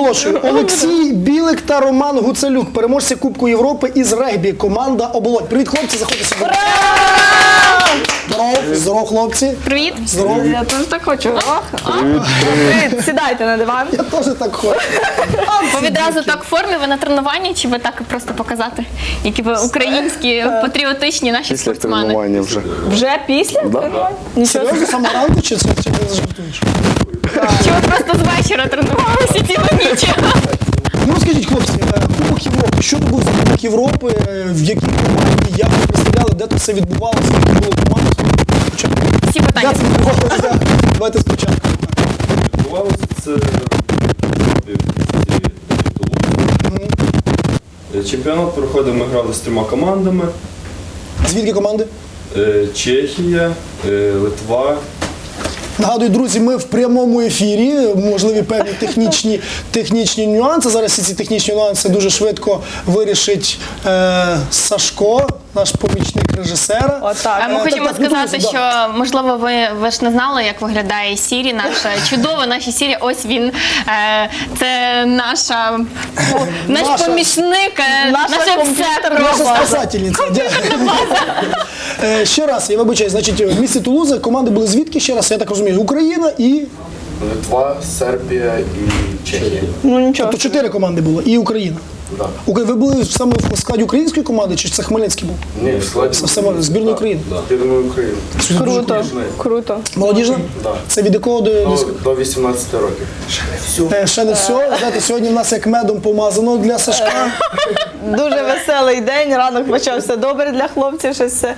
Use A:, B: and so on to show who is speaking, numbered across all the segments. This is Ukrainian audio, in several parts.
A: оголошую. Олексій Білик та Роман Гуцелюк, переможці Кубку Європи із регбі. Команда «Оболонь». Привіт, хлопці, заходьте сюди. Здоров, хлопці.
B: Привіт.
A: Здоров.
C: Я теж так хочу. Привіт, сідайте на диван.
A: Я теж так хочу.
B: Ви відразу так в формі, ви на тренуванні, чи ви так просто показати, які ви українські, патріотичні наші
D: Після
B: спортсмени?
D: тренування вже.
C: Вже після?
D: Да.
C: Нічого.
A: Серйозно, саме ранку чи ти не жартуєш?
B: Чи ви просто з вечора тренувалися цілу ніч?
A: Ну, скажіть, хлопці, Кубок Європи. Що це був за Кубок Європи? В якій команді? Як ви представляли? Де це все відбувалося? Скільки було команд?
B: Всі питання.
A: Як це відбувалося? Давайте спочатку.
E: Відбувалося це в місті Тулуз. Чемпіонат проходив, ми грали з 3 командами.
A: Звідки команди?
E: Чехія, Литва.
A: Нагадую, друзі, ми в прямому ефірі, можливі певні технічні нюанси. Зараз всі ці технічні нюанси дуже швидко вирішить Сашко, наш помічник режисера.
C: Отак.
B: Ми хочемо
A: так,
B: сказати,
A: ну,
B: що, можливо, ви ж не знали, як виглядає Сірі, наша чудова наша Сірі. Ось він, це наш помічник,
C: Наша
B: наше все
C: комп'ютерна
B: просто.
A: Наша спасательниця. Ще раз, я вибачаю, значить, в місті Тулуза команди були звідки? Ще раз, я так розумію, Україна і...
D: Литва, Сербія і Чехія.
C: Ну нічого.
A: Тобто 4 команди було, і Україна.
D: Да.
A: Ви були саме в складі української команди, чи це Хмельницький був?
D: Ні, в складі.
A: Саме збірної України.
D: Збірної України.
C: Круто, круто.
A: Молодіжна?
D: Да.
A: Це від якого до...
D: Ну, до 18 років.
A: Ще не все. Знаєте, сьогодні в нас як медом помазано для Сашка.
C: Дуже веселий день, ранок почався добре для хлопців, щось все.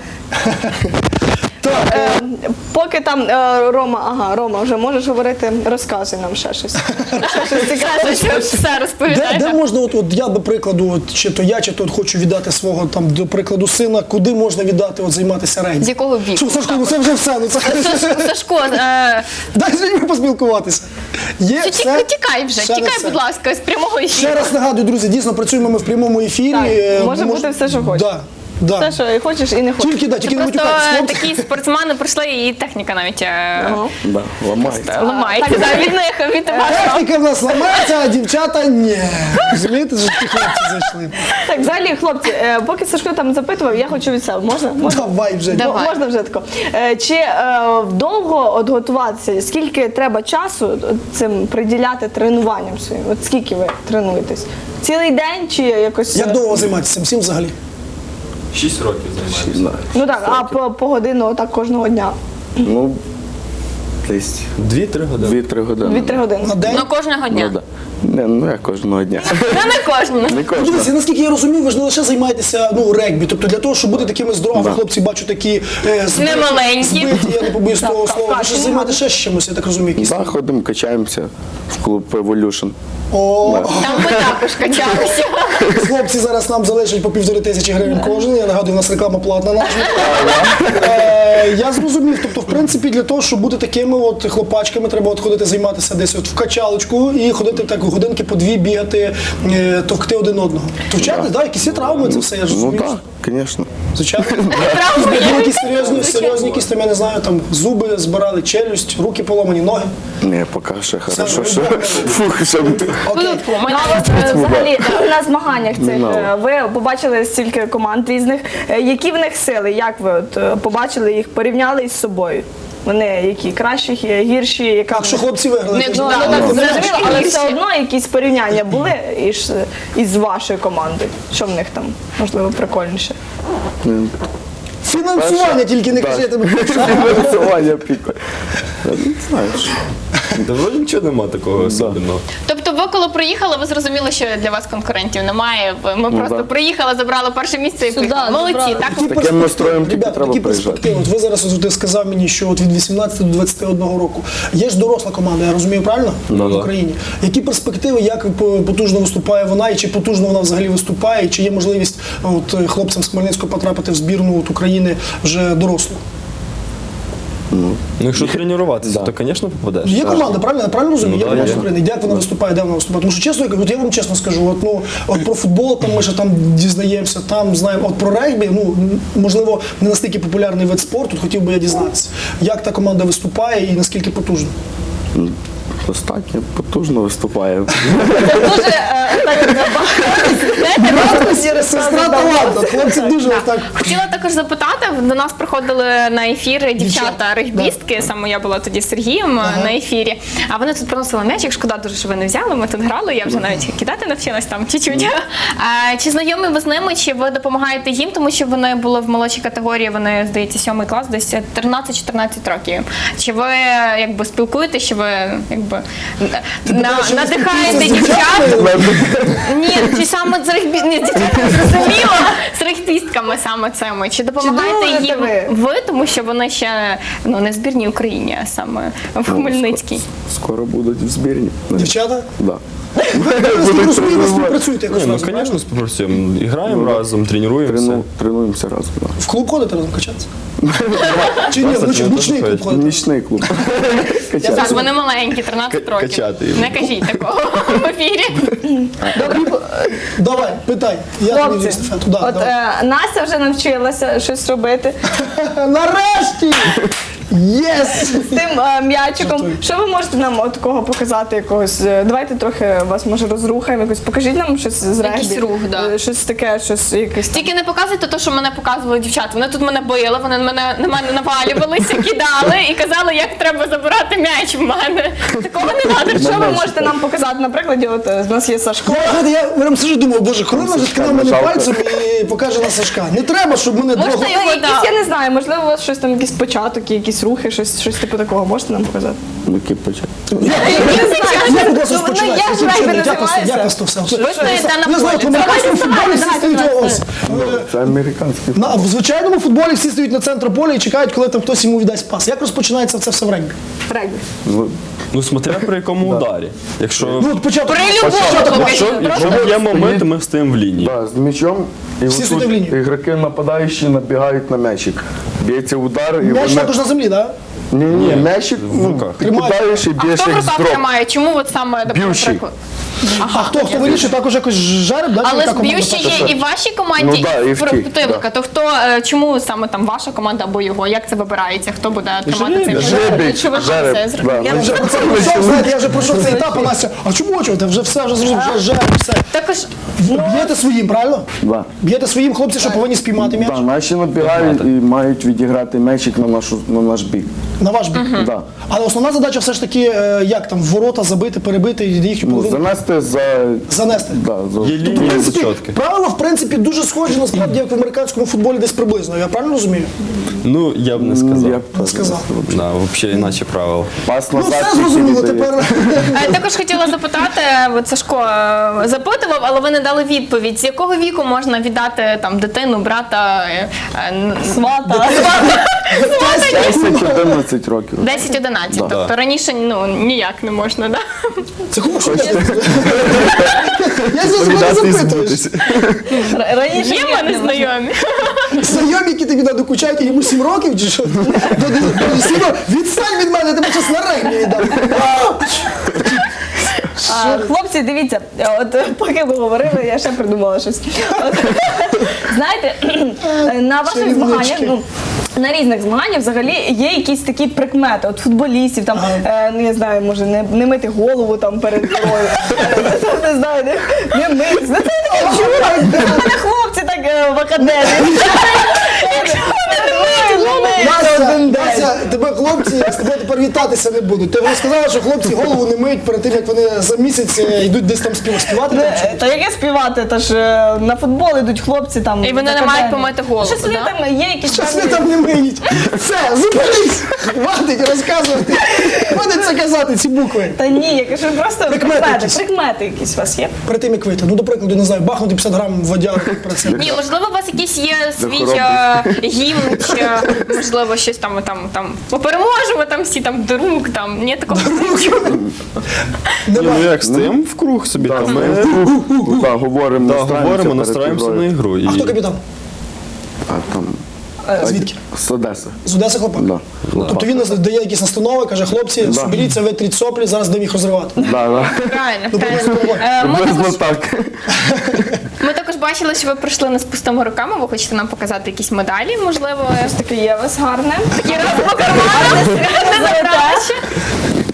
A: Так,
C: Поки там Рома, вже можеш говорити, розказуй нам ще щось. Ще щось цікаве.
B: Все
A: де
B: розповідає.
A: можна, от я, до прикладу, чи то я, чи то хочу віддати свого, там, до прикладу, сина, куди можна віддати, займатися регбі?
B: З якого віку?
A: Що, Сашко, ну це вже все. Ну, це...
B: Сашко,
A: Дай з людьми поспілкуватися. Є все?
B: тікай вже,
A: Ще не
B: тікай,
A: все.
B: будь ласка, з прямого ефіру.
A: Ще раз нагадую, друзі, дійсно працюємо ми в прямому ефірі.
C: Так, може бути все, що хочеш.
A: Да.
C: Все, що і хочеш, і не хочеш.
A: Тільки не
B: Просто
A: матюкайтесь, хлопці.
B: такі спортсмени пройшли, і техніка навіть
D: Да, ламається.
B: ламається.
C: Так,
B: Да, від них, від вашого.
A: Техніка в нас ламається, а дівчата ні. Розумієте, що ті хлопці зайшли.
C: Так, взагалі, хлопці, поки Сашко там запитував, я хочу від себе. Можна?
A: Давай вже.
B: Давай.
C: Можна вже тако. Чи довго от готуватися? Скільки треба часу цим приділяти тренуванням своїм? От скільки ви тренуєтесь? Цілий день чи якось?
A: Як довго займатися цим всім взагалі?
E: 6 років займаємося.
C: Ну так, а по годину отак кожного дня?
D: Ну, десь
E: 2-3 години.
D: 2-3 години.
C: 2-3 години.
A: На день?
B: Ну, кожного
D: Ну,
B: дня.
D: да. Ну, як кожного дня.
B: Ну, не кожного.
D: Не
A: Ну,
D: кожного.
A: дивіться, наскільки я розумію, ви ж не лише займаєтеся регбі. Тобто для того, щоб бути такими здоровими,
D: Да.
A: хлопці, бачу такі
B: Немаленькі.
A: збиті, я не побоюсь того
C: Так,
A: слова.
C: так,
A: Ви ж
C: так.
A: займаєтеся ще з чимось, я так розумію. Якісь.
D: Да, ходимо, качаємося в клуб Evolution.
A: О,
B: Там ми також качалися.
A: хлопці зараз нам залишать по 1500 гривень кожен. Я нагадую, у нас реклама платна наша. Я зрозумів, тобто, в принципі, для того, щоб бути такими от хлопачками, треба от ходити займатися десь от в качалочку і ходити так годинки по 2 бігати, товкти один одного. Товчати, да, якісь є травми, це все, я ж
D: Ну
A: розумію.
D: так, звісно.
A: Звичайно.
B: Травми
A: Були
B: є.
A: якісь серйозні, якісь там, я не знаю, там зуби збирали, челюсть, руки поломані, ноги.
D: Не, поки ще хорошо, що
A: нормально.
D: фух, що
A: Окей.
B: Хвилинку, у мене
C: Ну, а от, взагалі, на змаганнях цих
D: Ну.
C: ви побачили стільки команд різних. Які в них сили? Як ви от, побачили їх, порівняли із собою? Вони які кращі, гірші, яка
A: Так що хлопці виграли.
B: Не,
A: ти ж
B: ну,
A: знаєш.
B: да,
C: так,
B: ну,
C: зрозуміло, але
B: гірші.
C: все одно якісь порівняння були із вашою командою. Що в них там можливо прикольніше?
A: Фінансування тільки не
D: Так.
A: кажи, я тебе
D: фінансування піко. Не знаєш.
E: Та вроді нічого нема такого особливого.
B: Тобто ви коли приїхали, ви зрозуміли, що для вас конкурентів немає. Ми просто
D: да.
B: приїхали, забрали перше місце і поїхали. Молодці,
C: забрали.
B: так?
A: Які
D: Таким настроєм тільки
A: Ребята,
D: треба
A: такі
D: приїжджати.
A: перспективи. От ви зараз от ти сказав мені, що от від 18 до 21 року. Є ж доросла команда, я розумію правильно?
E: Ну,
A: В
E: да.
A: Україні. Які перспективи, як потужно виступає вона, і чи потужно вона взагалі виступає, і чи є можливість от, хлопцям з Хмельницького потрапити в збірну от, України вже дорослу?
E: Ну, якщо тренуватися, то, звісно, попадеш.
A: Є команда, правильно? Я правильно розумію?
E: Ну,
A: Є
E: да,
A: команда
E: є.
A: України. Як вона виступає, де вона виступає? Тому що чесно, от я вам чесно скажу, от про футбол там ми ще там дізнаємося, там знаємо. От про регбі, можливо, не настільки популярний вид спорту, хотів би я дізнатися. Як та команда виступає і наскільки потужна?
D: Достатньо потужно виступає.
C: Дуже
A: Сестра талантна, хлопці дуже так.
B: Хотіла також запитати, до нас приходили на ефір дівчата-регбістки, саме я була тоді з Сергієм на ефірі, а вони тут приносили м'ячик, шкода дуже, що ви не взяли, ми тут грали, я вже навіть кидати навчилась там чуть-чуть. Чи знайомі ви з ними, чи ви допомагаєте їм, тому що вони були в молодшій категорії, вони, здається, 7 клас, десь 13-14 років. Чи ви якби спілкуєтеся, чи ви якби надихаєте дівчат? Ні, чи саме з зрозуміло, з регбістками саме цими. Чи допомагаєте
C: дружите
B: їм ви, тому що вони ще не в збірній Україні, а саме в Хмельницькій?
D: Скоро будуть в збірні.
A: Дівчата?
D: Да.
A: Ви розумієте, співпрацюєте якось
E: Ні, ну,
A: разом,
E: звісно, співпрацюємо. Граємо разом, тренуємося.
D: Тренуємося разом. Да.
A: В клуб ходите разом качатися? Чи ні, в нічний клуб ходите?
D: Нічний клуб.
B: Так, вони маленькі, 13 років.
E: Качати їх.
B: Не кажіть такого в ефірі.
A: Давай, питай. Я тобі
C: Хлопці,
A: естафету. Да,
C: от
A: давай.
C: Настя вже навчилася щось робити
A: Нарешті! Єс!
C: з тим м'ячиком.
A: Жартую.
C: Що ви можете нам от такого показати якогось? Давайте трохи вас може розрухаємо якось. Покажіть нам щось з регбі.
B: Якийсь рух, да.
C: Щось таке, щось якесь.
B: Тільки не показуйте те, що мене показували дівчата. Вони тут мене били, вони на мене навалювалися, кидали і казали, як треба забирати м'яч в мене. Такого не треба.
C: Що ви можете нам показати? Наприклад, от в нас є Сашко.
A: Я прям сижу, думаю, боже, Корона вже ткне мене
D: Жалко.
A: пальцем і покаже на Сашка. Не треба, щоб мене
B: Можна
A: двох...
B: його,
C: Якісь,
B: да.
C: я не знаю, можливо, у вас щось там, якийсь початок, якісь рухи, щось типу такого. Можете нам показати?
D: Ну, кипачать.
A: Як у вас
C: Ну,
A: розпочинається?
C: як регбі називається?
A: Як вас то все?
B: Ви стоїте
A: Я знаю,
B: на
A: в американському футболі всі
C: Давайте,
A: стоять ось.
D: Це американський.
A: В звичайному футболі всі стоять на центру поля і чекають, коли там хтось йому віддасть пас. Як розпочинається це все в регбі?
C: Регбі.
E: Ну, смотря при якому ударі. Якщо
A: Ну, от початок.
B: При любому
E: якщо є момент, ми стоїмо в лінії.
D: Да, з м'ячом. І
A: Всі
D: отут
A: стоять в лінію.
D: ігроки нападаючі набігають на м'ячик. Б'ється удар і
A: М'яч
D: вони...
A: також на землі, так?
D: Ні, м'ячик,
E: руках.
D: ти кидаєш і
B: А
D: б'єш
B: хто в
D: як з
B: руках
D: дроб.
B: тримає? Чому от саме,
D: Б'ющий.
B: наприклад?
A: А хто вирішує, також якось жереб, да?
B: Але
A: Яка команда
B: б'ющі
A: перша?
B: є і в вашій команді,
D: Ну, да, і в тій,
B: противника. То хто, чому саме там ваша команда або його? Як це вибирається? Хто буде тримати цей м'яч?
D: Жереб,
B: Чи ви
D: жереб,
B: це зробили?
D: да.
A: Я вже про це пройшов, знаєте, я вже пройшов цей етап, а Настя, а чому чого? Ти вже все, вже зрозумів, вже жереб, все.
B: Також
A: Б'єте своїм, правильно?
D: Да.
A: Б'єте своїм, хлопці, що повинні спіймати м'яч?
D: Да, наші набігають і мають відіграти м'ячик на наш бік.
A: На ваш бік.
D: Да.
A: Але основна задача все ж таки, як там, в ворота забити, перебити, і їхню
D: Ну,
A: половину
D: занести за...
A: занести.
D: Да,
E: Є
A: Тобто, в
E: лінії
A: принципі,
E: зачотки.
A: правила, в принципі, дуже схожі, насправді, як в американському футболі десь приблизно. Я правильно розумію?
E: Ну, я б не сказав.
D: Я б
A: Не сказав.
E: Да, взагалі іначе правила.
D: Пас
A: Ну,
D: назад.
A: все зрозуміло,
D: тільки віддає.
A: тепер...
B: також хотіла запитати, от Сашко запитував, але ви не дали відповідь. З якого віку можна віддати там дитину, брата,
C: Свата.
D: 10-11 років.
B: 10-11? Тобто раніше ніяк не можна, да?
A: Це хорошо. Я за мене
E: Віддати і
A: запитуєш.
E: збутися.
C: Раніше
B: Є в мене знайомі.
A: Знайомі, які тобі надокучають, йому 7 років чи що? Відстань від мене, тебе час на регбі віддам.
C: Хлопці, дивіться, от поки ви говорили, я ще придумала щось. От, знаєте, на ваших
A: Чарівнички.
C: змаганнях, на різних змаганнях взагалі є якісь такі прикмети, от футболістів, там, ну я знаю, може не мити голову там перед грою, не знаю, не мити. Ну, це я таке чула, в мене хлопці так в академії.
A: Настя, тебе хлопці з тобою тепер вітатися не будуть. Ти вже сказала, що хлопці голову не миють перед тим, як вони за місяць йдуть десь там співати. там, чи?
C: Та яке співати, та ж на футбол йдуть хлопці там.
B: І вони
C: в
B: не мають
C: академії.
B: помити голову,
C: Щось вони
B: да?
C: там є якісь
A: Щось ви
C: певні-
A: там не миють. Все, зупинись! Хватить розказувати. Хватить це казати, ці букви.
C: Та ні, я кажу, просто
A: Прикмети якісь.
C: прикмети якісь у вас є.
A: Перед тим, як вийти. Ну, до прикладу, не знаю, бахнути 50 грам водяру про це.
B: Ні, можливо, у вас якийсь є свій
D: хоробрості.
B: гімн, чи можливо щось там ми переможемо, там всі там друг, там ні такого не чую.
E: Ні, ну як стоїмо в круг собі,
D: Да,
E: там
D: ми
E: ми
D: да, говоримо,
E: говоримо,
D: настраємося
E: настраємося
D: перед
E: на
D: ігрою.
E: ігру.
A: А хто капітан?
D: А там...
A: Звідки?
D: З Одеси.
A: З Одеси хлопак?
D: Да.
A: Тобто він дає якісь настанови, каже, хлопці, соберіться, витріть соплі, зараз будемо їх розривати.
D: Да, да.
B: Правильно,
A: Ну,
B: правильно.
A: приблизно
B: Ми
D: Приблизно
B: також,
D: так.
B: ми також бачили, що ви прийшли не з пустими руками, ви хочете нам показати якісь медалі, можливо,
C: Таке є у вас гарне.
B: такі раз по карманам, не забрали ще.
A: Ні,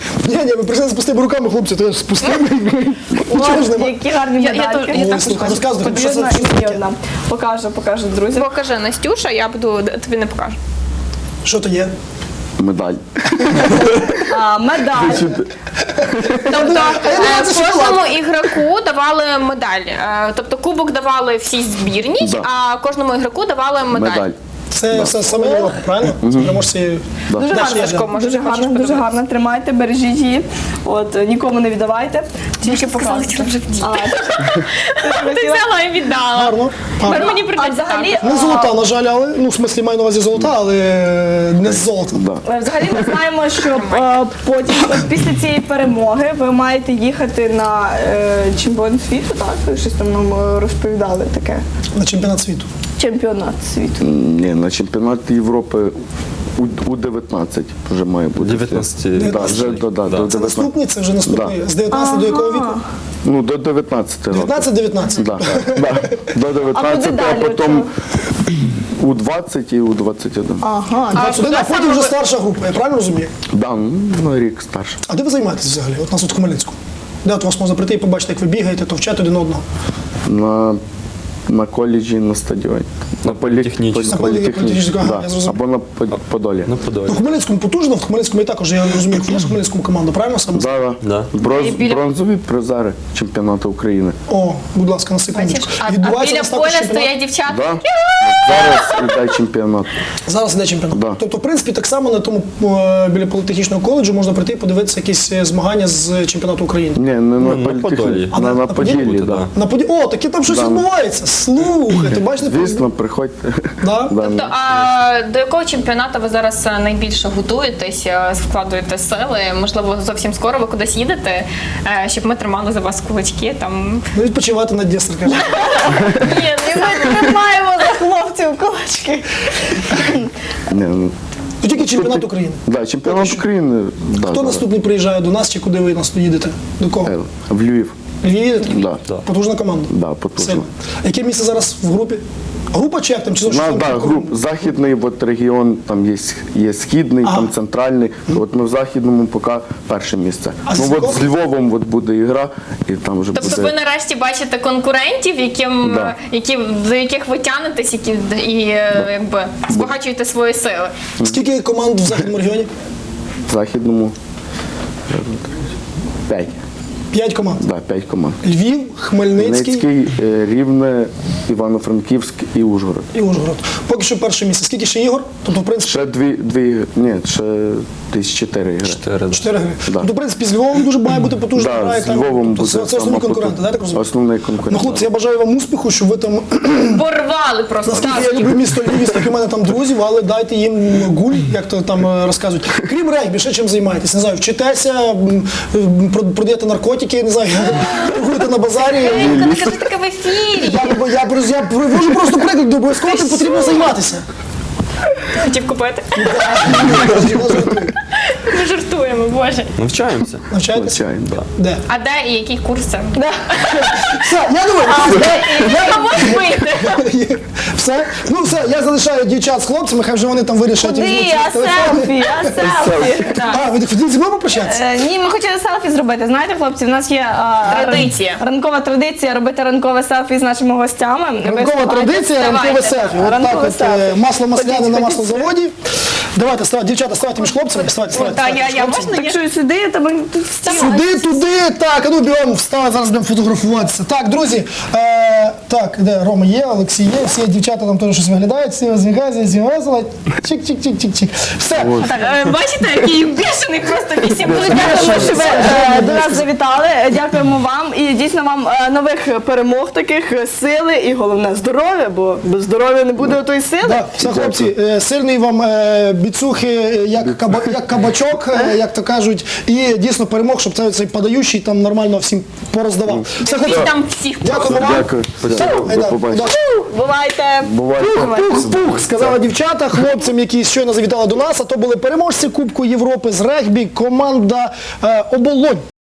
A: Ні, ви прийшли з пустими руками, хлопці, то я з пустими. Нічого ж нема.
C: Які гарні
B: Я
C: медальки.
B: тут-
A: Ой, слухай, розказуй,
C: Тобі
A: що це
C: одна
A: що
C: і мені
A: таке?
C: одна. Покажу, друзі.
B: Покажи, Настюша, я буду тобі не покажу.
A: Що то є?
D: Медаль.
C: Медаль.
B: Тобто
A: думала, це
B: кожному ігроку давали медаль. Тобто кубок давали всій збірній,
D: Да.
B: а кожному ігроку давали медаль.
D: Медаль.
A: Це все саме Європа, правильно? Це переможці.
C: Дуже
A: Наші
C: гарно,
A: євро.
B: Сашко, може,
C: дуже
B: ти хочеш
C: гарно, дуже
B: подивитися?
C: гарно. Тримайте, бережіть її. От, нікому не віддавайте. Тільки показуйте.
B: вже вдіти.
C: А,
B: Ти взяла і віддала.
A: Гарно.
B: Тепер
A: Гарно.
B: мені
C: А
B: прийдеться
C: взагалі,
B: так.
A: Не золота, на жаль, але, ну, в смислі, маю на увазі золота, але не з золота.
D: Да.
C: Взагалі ми знаємо, що потім, от після цієї перемоги, ви маєте їхати на чемпіонат світу, так? Щось там нам розповідали таке.
A: На чемпіонат світу.
C: Чемпіонат світу.
D: Ні, на чемпіонат Європи у 19 вже має бути.
E: 19.
D: Да, вже до
A: Це
D: 19.
A: наступний, це вже наступний. З 19 до якого віку?
D: Ну, до 19 років.
A: 19-19.
D: Да, да. До 19,
C: далі
D: а потім у 20 і у 21.
C: Ага.
A: 21, а потім вже старша група, я правильно розумію?
D: Да, ну, на рік старше.
A: А де ви займаєтесь взагалі? От нас от в Хмельницьку. Де от вас можна прийти і побачити, як ви бігаєте, то вчати один одного.
D: На коледжі, на стадіоні. На
E: політехнічному.
A: На політехнічному, ага,
D: да.
A: я зрозумів.
D: Або на Подолі.
E: На Подолі.
A: Ну, в Хмельницькому потужно, в Хмельницькому я також, я розумію, в Хмельницькому команда, правильно саме?
D: Да.
E: Да.
B: І біля-
D: Бронзові призери чемпіонату України.
A: О, будь ласка, на секундочку.
B: Бачиш, а
A: Відбувається
B: біля
A: у нас також
B: поля
A: чемпіонат.
B: стоять дівчата.
D: Да. Зараз іде чемпіонат.
A: Зараз іде чемпіонат.
D: Да.
A: Тобто, в принципі, так само на тому біля політехнічного коледжу можна прийти і подивитися якісь змагання з чемпіонату України.
D: Ні, не
E: Ну,
D: на
E: на
D: політехні-
E: Подолі.
A: А
D: на
A: на
D: Поділлі,
E: Поділлі,
D: да.
E: да.
A: На О, таки там щось
D: Да.
A: відбувається. Слухайте, бачите?
D: Звісно, приходьте.
A: Да?
D: Да.
B: Тобто, а до якого чемпіонату ви зараз найбільше готуєтесь, вкладуєте сили? Можливо, зовсім скоро ви кудись їдете, щоб ми тримали за вас кулачки. Там
A: Ну, відпочивати на Дністр, каже.
B: ні,
C: І ми тримаємо за хлопців кулачки.
D: Ні, ну,
A: Ну, тільки чемпіонат України.
D: да, чемпіонат України. Да,
A: Хто
D: зараз.
A: наступний приїжджає до нас чи куди ви нас їдете? До кого?
D: В Львів.
A: Львів їдете?
D: Да.
A: Потужна команда.
D: Да, потужно.
A: Сильна. Яке місце зараз в групі? Група чи як там? Чи
D: У нас, да, груп, західний от регіон, там є східний,
A: Ага.
D: там центральний. От ми в західному поки перше місце.
A: А з
D: Ну
A: якого?
D: от з Львовом от буде ігра, і там вже
B: тобто ви
D: буде.
B: нарешті бачите конкурентів,
D: Да.
B: до яких ви тянетесь, і якби збагачуєте свої сили.
A: Скільки команд в західному регіоні?
D: В західному 5.
A: 5 команд.
D: Да, 5 команд.
A: Львів, Хмельницький
D: Хмельницький, Рівне, Івано-Франківськ і Ужгород.
A: і Ужгород. Поки що перше місце. Скільки ще ігор? Тобто, в принципі,
D: Ще дві ні, ще десь 4 ігри.
E: 4.
A: 4 гри.
D: Да.
A: Ну, в принципі, з Львовом дуже має бути потужна
D: Да,
A: гра. і
D: з
A: там,
D: Львовом
A: тобто,
D: буде
A: це основні
D: сама
A: конкуренти,
D: потужна.
A: так так розумію?
D: Основний конкурент.
A: Ну, хлопці, я бажаю вам успіху, щоб ви там,
B: Порвали просто.
A: наскільки
B: так.
A: я люблю місто Львів, стільки в мене там друзів, але дайте їм гуль, як то там розказують. Крім регбі, ще чим займаєтесь? Не знаю, вчитеся, продаєте наркотики, не знаю, торгуєте на базарі.
B: Не кажи таке в ефірі.
A: Я привожу просто приклад, обов'язково тим потрібно займатися.
B: Хотів купити. Ми жартуємо, боже.
E: Навчаємося.
A: Навчаєтеся?
D: Звичайно.
E: Да.
A: Де?
B: А де і які курси?
A: Все, я думаю,
B: А можеш вийти?
A: все. Ну все, я залишаю дівчат з хлопцями, хай вже вони там вирішать.
C: Куди?
A: візьмуть
C: А
A: телефони.
C: селфі, а селфі.
A: А, ви хотіли зі мною попрощатися?
C: Ні, ми хотіли селфі зробити. Знаєте, хлопці, в нас є
B: Традиція.
C: ранкова традиція робити ранкове селфі з нашими гостями. Ви
A: Ранкова
C: вставайте,
A: традиція, ранкове
B: вставайте.
A: селфі. От так
C: Ранкове
A: от
C: селфі.
A: масло масляне
C: Ходіть,
A: на
C: ходіть.
A: маслозаводі. Давайте, дівчата, ставайте між хлопцями. Ставайте
B: Так,
A: між
B: я
A: хлопцями.
B: можна?
C: Так що сюди, тебе тут стіл.
A: Сюди, туди, так, а ну бігом, вставай, зараз будемо фотографуватися. Так, друзі, так, де Рома є, Олексій є, всі дівчата там теж щось виглядають, всі весело, чик-чик-чик-чик-чик. Все.
B: Так, бачите, який бішений просто 8
C: Дуже дякуємо, що ви до нас завітали. Дякуємо вам і дійсно вам нових перемог таких, сили і головне здоров'я, бо без здоров'я не буде отої сили.
A: Да, все, хлопці, сильний вам біцухи, як кабачок, як то кажуть, і дійсно перемог, щоб цей подаючий там нормально всім пороздавав. Все, хлопці,
B: там всіх.
A: дякуємо вам.
D: Дякую. До побачення.
C: Бувайте.
D: Бувайте.
A: Пух, сказала дівчата хлопцям, які щойно завітали до нас, а то були переможці Кубку Європи з регбі, команда Оболонь.